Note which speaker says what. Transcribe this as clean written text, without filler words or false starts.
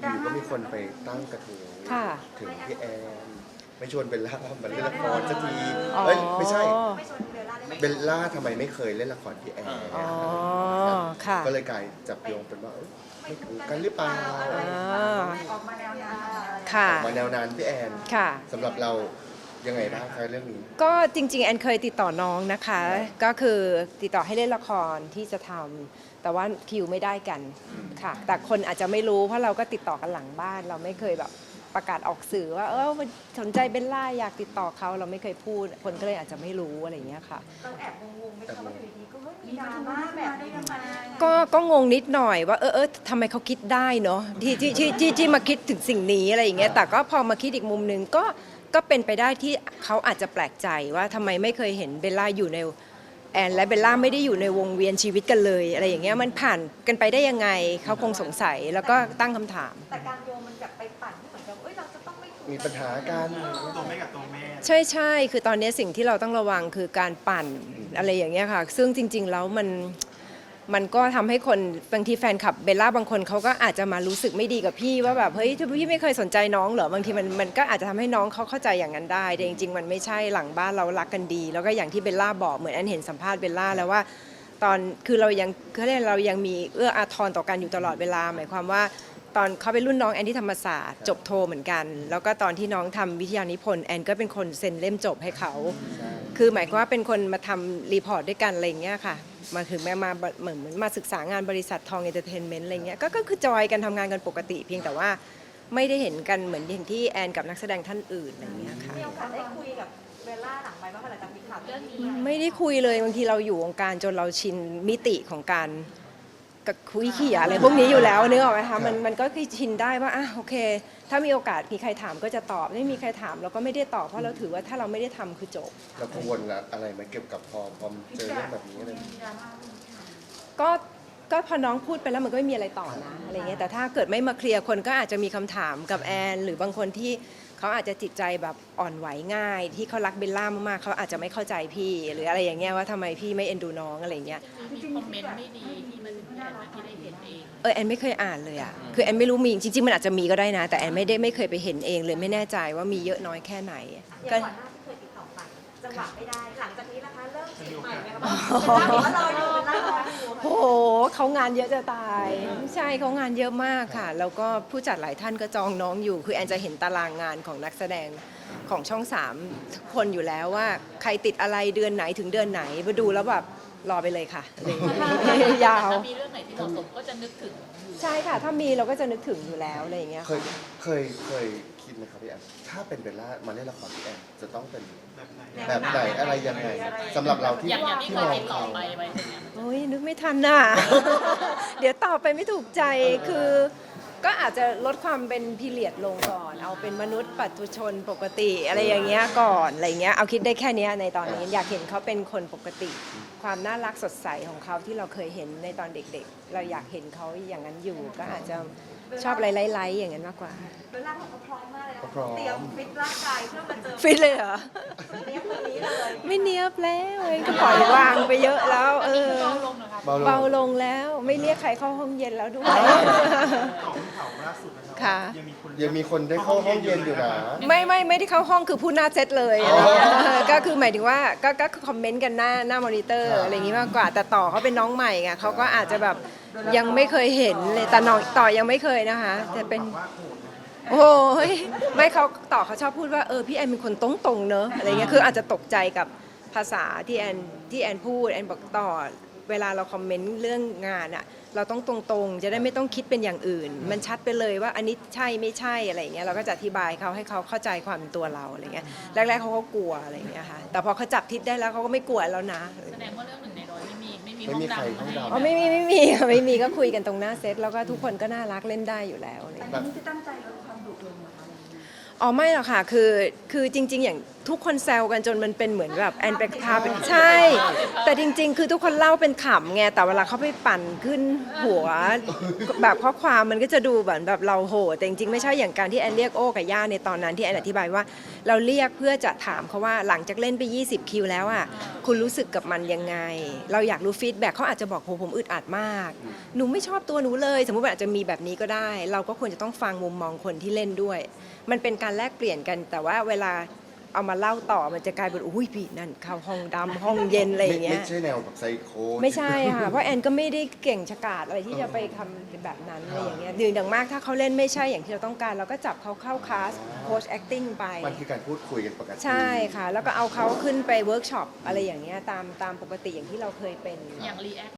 Speaker 1: อยู่ก็มีคนไปตั้งกระทู้
Speaker 2: ค่ะ
Speaker 1: ถึงพี่แอนไม่ชวนเบลล่ามาเล่นละครสักที
Speaker 2: อ๋อ
Speaker 1: เอ้ยไม่ใช่เบลล่าทำไมไม่เคยเล่นละครพี่แอน
Speaker 2: อ๋อค่ะ
Speaker 1: ก็เลยกลายจับโยงเป็นว่าไม่ถูกกันหรือเปล่า
Speaker 3: ออกมาแนวนั้น
Speaker 2: ค่ะ
Speaker 1: มาแนวนั้นพี่แอน
Speaker 2: ค่ะ
Speaker 1: สำหรับเรายังไงบ้างคะเรื่องนี้
Speaker 2: ก็จริงๆแอนเคยติดต่อน้องนะคะ ก็คือติดต่อให้เล่นละครที่จะทำแต่ว่าคิวไม่ได้กันค่ะ แต่คนอาจจะไม่รู้เพราะเราก็ติดต่อกันหลังบ้าน เราไม่เคยแบบประกาศออกสื่อว่าสนใจเบลล่าอยากติดต่อเขาเราไม่เคยพูด คนก็เลยอาจจะไม่รู้อะไรอย่างเงี้ยค่ะ
Speaker 3: เราแอบงงๆไหมคะว่าอยู่ดีๆก็มีดราม่าแบบนี้ทำไม
Speaker 2: ก็งงนิดหน่อยว่าทำไมเขาคิดได้เนาะที่มาคิดถึงสิ่งนี้อะไรอย่างเงี้ยแต่ก็พอมาคิดอีกมุมหนึ่งก็เป็นไปได้ที่เขาอาจจะแปลกใจว่าทำไมไม่เคยเห็นเบลล่าอยู่ในแอนและเบลล่าไม่ได้อยู่ในวงเวียนชีวิตกันเลยอะไรอย่างเงี้ยมันผ่านกันไปได้ยังไงเขาคงสงสัยแล้วก็ตั้งคำถาม
Speaker 3: แต่การโยงมันแบบไปปั่นที่เหมือนกับเราจะต้องไม่ถูก
Speaker 1: มีปัญหากัน
Speaker 4: ตัวแม่กับตัวแม่
Speaker 2: ใช่คือตอนนี้สิ่งที่เราต้องระวังคือการปั่นอะไรอย่างเงี้ยค่ะซึ่งจริงๆแล้วมันก็ทำให้คนบางทีแฟนคลับเบลล่าบางคนเขาก็อาจจะมารู้สึกไม่ดีกับพี่ว่าแบบเฮ้ยพี่ไม่เคยสนใจน้องเหรอบางทีมันก็อาจจะทำให้น้องเขาเข้าใจอย่างนั้นได้แต่จริงๆมันไม่ใช่หลังบ้านเรารักกันดี แล้วก็อย่างที่เบลล่าบอกเหมือนอันเห็นสัมภาษณ์เบลล่าแล้วว่าตอนคือเรายังมีเอื้ออาทรต่อกันอยู่ตลอดเวลาหมายความว่าตอนเขาเป็นรุ่นน้องแอนที่ธรรมศาสตร์จบโทเหมือนกัน แล้วก็ตอนที่น้องทำวิทยานิพนธ์แอนก็เป็นคนเซ็นเล่มจบให้เขาคือหมายความว่าเป็นคนมาทำรีพอร์ตด้วยกันอะไรอย่างเงี้ยค่ะมาถึงมาเหมือนมาศึกษางานบริษัททองเอนเตอร์เทนเมนต์อะไรเงี้ยก็คือจอยกันทำงานกันปกติ เพียงแต่ว่าไม่ได้เห็นกันเหมือนอย่างที่แอนกับนักแสดงท่านอื่นอะไรเงี้ยค่ะ
Speaker 3: มีโอกาสได้คุยกับเบลล่าหลังไปบ้างหลังจากมีข่าวเรื่องนี้
Speaker 2: ไม่ได้คุยเลยบางทีเราอยู่วงการจนเราชินมิติของการกับคุยเขี่ยอะไรพวกนี้อยู่แล้วนึกออกไหมคะมันก็คือชินได้ว่าโอเค ถ้ามีโอกาสมีใครถามก็จะตอบไม่มีใครถามเราก็ไม่ได้ตอบเพราะเราถือว่าถ้าเราไม่ได้ทำคือจบ
Speaker 1: เรากังวลอะไรไหมเกี่ยวกับพอเจอเรื่องแบบนี้อะไรอย่างเงี้ย
Speaker 2: ก็พอน้องพูดไปแล้วมันก็ไม่มีอะไรต่อนะอะไรเงี้ยแต่ถ้าเกิดไม่มาเคลียร์คนก็อาจจะมีคำถามกับแอนหรือบางคนที่เขาอาจจะจิตใจแบบอ่อนไหวง่าย ที่เขารักเบลล่ามากๆเขาอาจจะไม่เข้าใจพี่หรืออะไรอย่างเงี้ยว่าทำไมพี่ไม่เอ็นดูน้องอะไรเงี้ย
Speaker 5: มีคอมเมนต์ไม่ดีที่มันแอนที่ได้เห็นเอง
Speaker 2: แอนไม่เคยอ่านเลยอ่ะคือแอนไม่รู้มีจริงๆมันอาจจะมีก็ได้นะ แต่แอนไม่เคยไปเห็นเองเลยไม่แน่ใจว่ามีเยอะน้อยแค่ไหน
Speaker 3: อย่าง
Speaker 2: ก็
Speaker 3: ก่อนหน้าที่เคยติดต่อไปจังหวะไม่ได้หลังจากนี้นะคะเริ่มจีบใหม่ไหมคะเบลล่าบอกว่าเราอยู่เบลล่ารออยู่
Speaker 2: โอ้โหเขางานเยอะจะตายไม่ใช่เขางานเยอะมากค่ะ แล้วก็ผู้จัดหลายท่านก็จองน้องอยู่ คือแอนจะเห็นตารางงานของนักแสดงของช่อง3ทุกคนอยู่แล้วว่าใครติดอะไรเดือนไหนถึงเดือนไหนมาดูแล้วแบบรอไปเลยค่ะอะไรอย่างเงี้ยยาว
Speaker 5: ถ้ามีเรื่องไหนที่เหมาะสมก็จะนึกถึงอยู่
Speaker 2: ใช่ค่ะถ้ามีเราก็จะนึกถึงอยู่แล้วอะไรอย่างเงี้ย
Speaker 1: เคยคิดไหมครับพี่แอนถ้าเป็นเบลล่ามาเล่นละครพี่แอนจะต้องเป็น
Speaker 4: แบบไหน
Speaker 1: แบบไหนอะไรยังไงสำหรับเราที่
Speaker 5: อย่างที่
Speaker 1: ที่
Speaker 5: เค
Speaker 1: ม
Speaker 5: ย
Speaker 1: อง
Speaker 5: ติดต่อ
Speaker 1: เขา
Speaker 5: ไปไว้ใช่ไหม
Speaker 2: โอ้ยนึกไม่ทันน่ะ เดี๋ยวตอบไปไม่ถูกใจคือ ก็อาจจะลดความเป็นพีเรียดลงก่อน เอาเป็นมนุษย์ปัจจุชนปกติอะไรอย่างเงี้ยก่อนอะไรเงี้ยเอาคิดได้แค่เนี้ยในตอนนี้อยากเห็นเขาเป็นคนปกติ ความน่ารักสดใสของเขาที่เราเคยเห็นในตอนเด็กๆ เราอยากเห็นเขาอย่างนั้นอยู่ ก็อาจจะชอบไล่ๆอย่างนั้นมากกว่า
Speaker 3: เบลล่าบอกว่าพร้อมมากเลยนะ
Speaker 1: พร้อม
Speaker 3: เตรียมฟิตร่างกายเพื่อมาเจอ
Speaker 2: ฟิตเลยเหรอ
Speaker 3: เนี้ยคนนี้เลย
Speaker 2: ไม่เนียบแล้วก็ปล่อยวางไปเยอะแล้ว
Speaker 5: เบาลงนะคะ
Speaker 2: เบาลงแล้วไม่เรียกใครเข้าห้องเย็นแล้วด้วย
Speaker 4: ของข่าวล่าสุดนะครับ
Speaker 2: ค่ะ
Speaker 1: ยังมีคนได้เข้าห้องเย็นอยู่นะ
Speaker 2: ไม่ได้เข้าห้องคือพูดหน้าเซตเลย
Speaker 1: อ๋อ
Speaker 2: ก็คือหมายถึงว่าก็คอมเมนต์กันหน้ามอนิเตอร์อะไรอย่างงี้มากกว่า แต่ต่อเขาเป็นน้องใหม่ไงเขาก็อาจจะแบบยังไม่เคยเห็นเลยแต่น้องต่อยังไม่เคยนะคะแต่เป็นโอ้ยไม่เขาต่อเขาชอบพูดว่าพี่แอนเป็นคนตรงๆเนอะอะไรเงี้ยคืออาจจะตกใจกับภาษาที่แอนพูดแอนบอกต่อเวลาเราคอมเมนต์เรื่องงานอะเราต้องตรงๆจะได้ไม่ต้องคิดเป็นอย่างอื่น มันชัดไปเลยว่าอันนี้ใช่ไม่ใช่อะไรเงี้ยเราก็จะอธิบายเขาให้เขาเข้าใจความเป็นตัวเราอะไรเงี้ยแรกๆเขาก็กลัวอะไรเงี้ยค่ะแต่พอเขาจับทิศได้แล้วเขาก็ไม่กลัวแล้วนะ
Speaker 5: แสดงว่าเรื่องหนึ่งในร้อยไม่มี
Speaker 1: ไม่
Speaker 5: ห้อง
Speaker 1: มีใคร
Speaker 5: ดำ
Speaker 1: ห้องดำ
Speaker 2: อ๋อไม่มีก็คุยกันตรงหน้าเซตแล้วก็ทุกคนก็น่ารักเล่นได้อยู่แล้วอะไร
Speaker 3: อัน
Speaker 2: เงี้ย
Speaker 3: นี้ที่ตั้งใจลดความดุลงนะคะ
Speaker 2: อ๋อไม่หรอกค่ะคือจริง ๆ อย่างทุกคนแซวกันจนมันเป็นเหมือนแบบแอนเป็นพาเป็นใช่ แต่จริง ๆ คือทุกคนเล่าเป็นขำไงแต่เวลาเขาไปปั่นขึ้นหัวแบบข้อความมันก็จะดูแบบเราโหดแต่จริงๆไม่ใช่อย่างการที่แอนเรียกโอ้กับย่าในตอนนั้นที่แอนอธิบายว่าเราเรียกเพื่อจะถามเขาว่าหลังจากเล่นไป20คิวแล้วอ่ะคุณรู้สึกกับมันยังไง เราอยากรู้ฟีดแบ็กเขาอาจจะบอกโหผมอึดอัดมากหนูไม่ชอบตัวหนูเลยสมมุติว่าอาจจะมีแบบนี้ก็ได้ เราก็ควรจะต้องฟังมุมมองคนที่เล่นด้วย มันเป็นการแลกเปลี่ยนกันแต่ว่าเวลาเอามาเล่าต่อมันจะกลายเป็นอุ้ยพี่นั่นเข้าห้องดำห้องเย็นอะไรอย่างเงี้ย
Speaker 1: ไม่ใช่แนวแบบไซโค
Speaker 2: ไม่ใช่ค่ะเพราะแอนก็ไม่ได้เก่งฉกาจอะไรที่จะไปทำแบบนั้นอะไรอย่างเงี้ยดึงมากถ้าเขาเล่นไม่ใช่อย่างที่เราต้องการเราก็จับเขาเข้าคลาสโค้ช acting ไป
Speaker 1: มันคือการพูดคุยกันปกติ
Speaker 2: ใช่ค่ะ แล้วก็เอาเขาขึ้นไปเวิร์กช็อปอะไรอย่างเงี้ยตามปกติอย่างที่เราเคยเป็น
Speaker 5: อย่างรีแอค